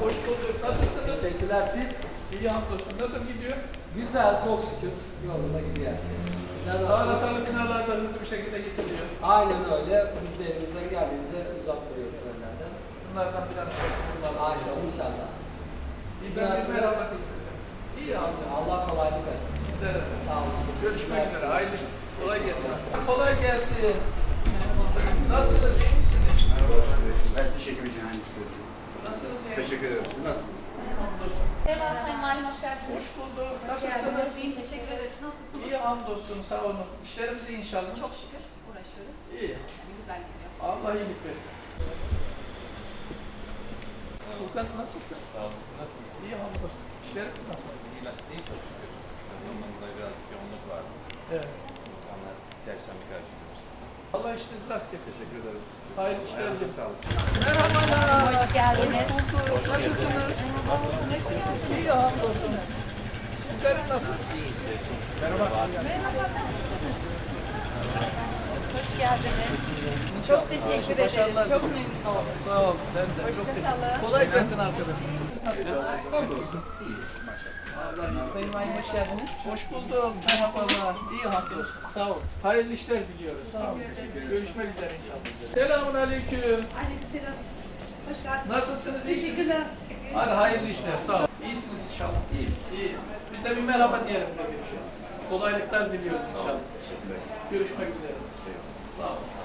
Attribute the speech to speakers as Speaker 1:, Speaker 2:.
Speaker 1: Hoş bulduk. Nasılsınız?
Speaker 2: Teşekkürler siz.
Speaker 1: İyi hamdolsun. Nasıl gidiyor?
Speaker 2: Güzel, çok şükür. Yolunda gidiyor her şey. Sizler
Speaker 1: Daha
Speaker 2: nasılsınız?
Speaker 1: rasalı binalar da hızlı bir şekilde yıkılıyor.
Speaker 2: Aynen öyle. Biz de elimizden geldiğince uzak duruyoruz önlerden.
Speaker 1: Bunlardan bir an önce kurtulalım.
Speaker 2: Aynen inşallah.
Speaker 1: İyi, ben bir merhaba diyeyim. İyi hamdolsun.
Speaker 2: Allah kolaylık versin.
Speaker 1: Sizlere de.
Speaker 2: Sağ olun.
Speaker 1: Görüşmek üzere. Hayırlı işler. Kolay gelsin. Kolay gelsin. Nasılsınız? İyi misiniz?
Speaker 3: Merhaba, ben teşekkür ederim.
Speaker 1: Nasılsınız?
Speaker 3: Teşekkür ederim. Siz nasılsınız?
Speaker 1: Hamdolsun.
Speaker 4: Merhaba Sayın Valim, hoş geldiniz.
Speaker 1: Hoş bulduk.
Speaker 4: Hoş geldiniz.
Speaker 1: Nasılsınız?
Speaker 4: İyi, teşekkür ederiz. Nasılsınız?
Speaker 1: İyi hamdolsun. Sağ olun. İşlerimiz iyi inşallah.
Speaker 4: Çok şükür uğraşıyoruz.
Speaker 1: İyi.
Speaker 4: Yani güzel gidiyor.
Speaker 1: Allah iyilik versin. Furkan nasılsın?
Speaker 5: Sağ olun, siz nasılsınız?
Speaker 1: İyi hamdolsun. İşlerimiz nasıl?
Speaker 5: İyi çok şükür. Zamanında birazcık yoğunluk vardı.
Speaker 1: Evet.
Speaker 5: İnsanlar ihtiyaçlarını karşılıyor.
Speaker 1: Allah işiniz rast getirsin.
Speaker 5: Teşekkür ederim.
Speaker 1: Hayırlı işler
Speaker 5: Ayağınıza
Speaker 1: dilerim.
Speaker 5: sağlık.
Speaker 1: Merhabalar.
Speaker 4: Hoş geldiniz.
Speaker 1: Hoş bulduk. Nasılsınız? İyi hamdolsun. Sizlerin nasıl?
Speaker 5: Merhaba.
Speaker 4: Hoş geldiniz.
Speaker 1: İnşallah.
Speaker 4: Çok teşekkür
Speaker 1: Başarılar
Speaker 4: ederim. Çok
Speaker 1: dilerim.
Speaker 4: memnun oldum.
Speaker 1: Sağ olun. Ben de çok
Speaker 4: Hoşça
Speaker 1: teşekkür
Speaker 4: kalın.
Speaker 1: ederim. Kolay gelsin arkadaşlar.
Speaker 3: Hamdolsun. İyi. Maşallah.
Speaker 1: Allah iyilik
Speaker 4: Sayın
Speaker 1: versin.
Speaker 4: Valim, hoş geldiniz.
Speaker 1: Hoş bulduk. Merhabalar. İyi hamdolsun. Sağ olun. Hayırlı işler diliyoruz. Sağ olun. Görüşmek üzere inşallah. Selamun aleyküm.
Speaker 6: Aleykümselam. Hoş geldin.
Speaker 1: Nasılsınız? İyisiniz?
Speaker 6: Teşekkürler.
Speaker 1: Hadi hayırlı işler. Sağ olun. İyisiniz inşallah. İyiyiz. İyi. Biz de bir merhaba diyelim dedik. Kolaylıklar diliyoruz inşallah. Görüşmek üzere. Sağ olun.